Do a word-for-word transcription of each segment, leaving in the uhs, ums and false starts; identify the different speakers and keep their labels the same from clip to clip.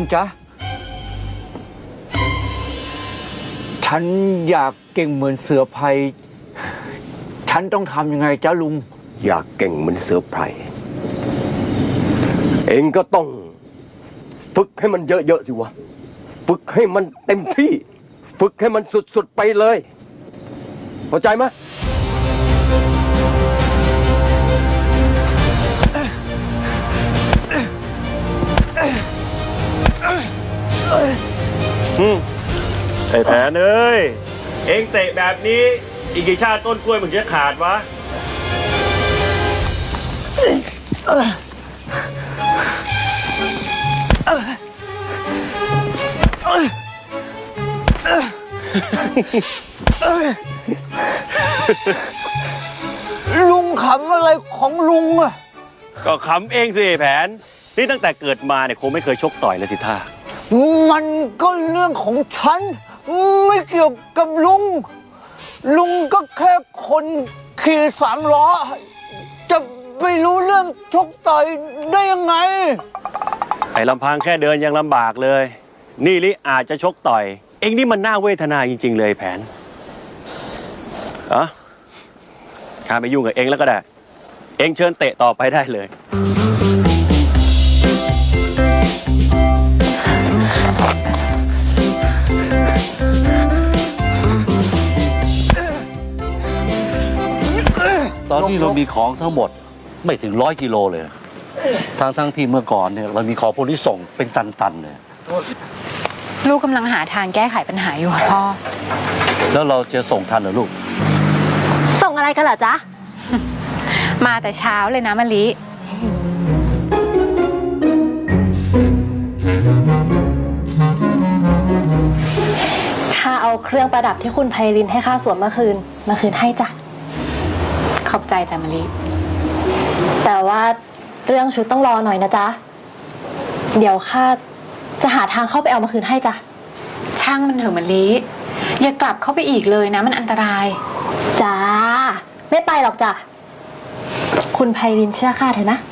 Speaker 1: จ๊ะฉันอยากเก่งเหมือนเสือไพรฉันต้องทำยังไงจ๊ะลุง
Speaker 2: อยากเก่งเหมือนเสือไพรเองก็ต้องฝึกให้มันเยอะๆสิวะฝึกให้มันเต็มที่ฝึกให้มันสุดๆไปเลยเข้าใจไหม
Speaker 3: อืมไอ้แผนเอ้ยเอ็งเตะแบบนี้อีกกี่ชาติต้นกล้วยมึงจะขาดวะ
Speaker 1: ลุงขำอะไรของลุงอะ
Speaker 3: ก็ขำเองสิแผนนี่ตั้งแต่เกิดมาเนี่ยคงไม่เคยชกต่อยเลยสิท่า
Speaker 1: มันก็เรื่องของฉันไม่เกี่ยวกับลุงลุงก็แค่คนขี่สามล้อจะไปรู้เรื่องชกต่อยได้ยังไง
Speaker 3: ไอ้ลำพังแค่เดินยังลำบากเลยนี่ลิอาจจะชกต่อยเอ็งนี่มันน่าเวทนาจริงๆเลยแผนอะข้าไม่ยุ่งกับเอ็งแล้วก็ได้เอ็งเชิญเตะต่อไปได้เลย
Speaker 4: ตอนนี้เรามีของทั้งหมดไม่ถึงร้อยกิโลเลยทั้งทั้งที่เมื่อก่อนเนี่ยเรามีของพวกนี้ส่งเป็นตันๆเลย
Speaker 5: ลูกกำลังหาทางแก้ไขปัญหาอยู่ค่ะพ่อ
Speaker 4: แล้วเราจะส่งทันเหรอลูก
Speaker 5: ส่งอะไรกันเหรอจ๊ะ มาแต่เช้าเลยนะมะลิ
Speaker 6: ข้าเอาเครื่องประดับที่คุณไพลินให้ข้าสวมเมื่อคืนมาคืนให้จ้ะ
Speaker 5: ขอบใจจ้ะมะลิ
Speaker 6: แต่ว่าเรื่องชุดต้องรอหน่อยนะจ๊ะเดี๋ยวข้าจะหาทางเข้าไปเอามาคืนให้จ้ะ
Speaker 5: ช่างมันเถอะมะลิอย่ากลับเข้าไปอีกเลยนะมันอันตราย
Speaker 6: จ้าไม่ไปหรอกจ้ะคุณไพลินเชื่อข้าเถอะนะ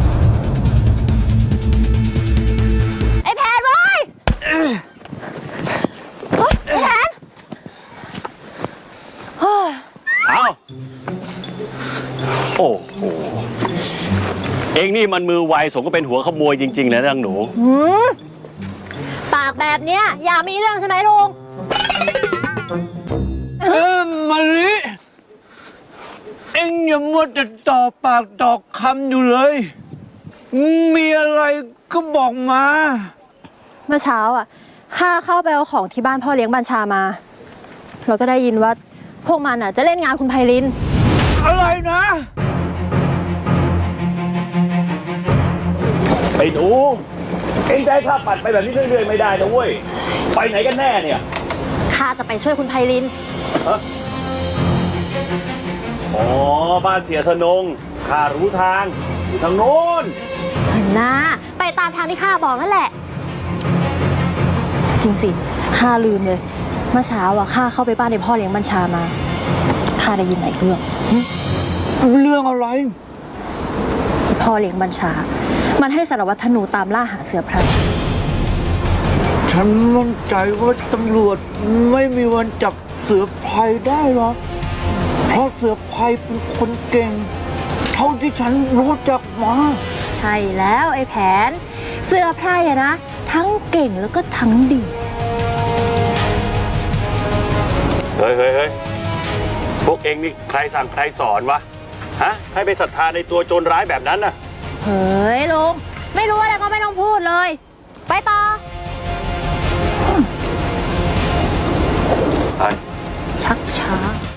Speaker 6: ไอ้แผนเว้ยไอ้แผน
Speaker 3: เอาโอ้โหเองนี่มันมือไวสมก็เป็นหัวขโมยจริงๆเลยนะหนู
Speaker 6: ปากแบบเนี้ยอย่ามีเรื่องใช่ไหมลุง
Speaker 1: เออมาลิเอ็งอย่ามัวแต่ต่อปากต่อคำอยู่เลยมีอะไรก็บอกมา
Speaker 6: เมื่อเช้าอ่ะข้าเข้าไปเอาของที่บ้านพ่อเลี้ยงบัญชามาเราก็ได้ยินว่าพวกมันอ่ะจะเล่นงานคุณไพลิน
Speaker 1: อะไรนะ
Speaker 3: ไอ้หนูเอ็งได้ข้าปัดไปแบบนี้เรื่อยๆไม่ได้นะเว้ยไปไหนกันแน่เนี่ย
Speaker 6: ข้าจะไปช่วยคุณไพลิน
Speaker 3: อ๋อบ้านเสียธนงข้ารู้ทางอยู่ทางโน้น
Speaker 6: นะไปตามทางที่ข้าบอกนั่นแหละจริงสิข้าลืมเลยเมื่อเช้าอ่ะข้าเข้าไปบ้านในพ่อเลี้ยงบัญชามาข้าได้ยินหลายเรื่อง
Speaker 1: เรื่องอะไร
Speaker 6: พ่อเลี้ยงบัญชามันให้สารวัตรธนูตามล่าหาเสือไพร
Speaker 1: ฉันมั่นใจว่าตำรวจไม่มีวันจับเสือไพรได้หรอกเพราะเสือไพรเป็นคนเก่งเท่าที่ฉันรู้จักมา
Speaker 6: ใช่แล้วไอ้แผนเสือไพรอะนะทั้งเก่งแล้วก็ทั้งดี
Speaker 3: เฮ้ยเฮ้ยเฮ้ยพวกเองนี่ใครสั่งใครสอนวะฮะให้ไปศรัทธาในตัวโจรร้ายแบบนั้นน่ะ
Speaker 6: เฮ้ยลุงไม่รู้อะไรก็ไม่ต้องพูดเลยไปต่อ
Speaker 3: ไป
Speaker 6: ชักช้า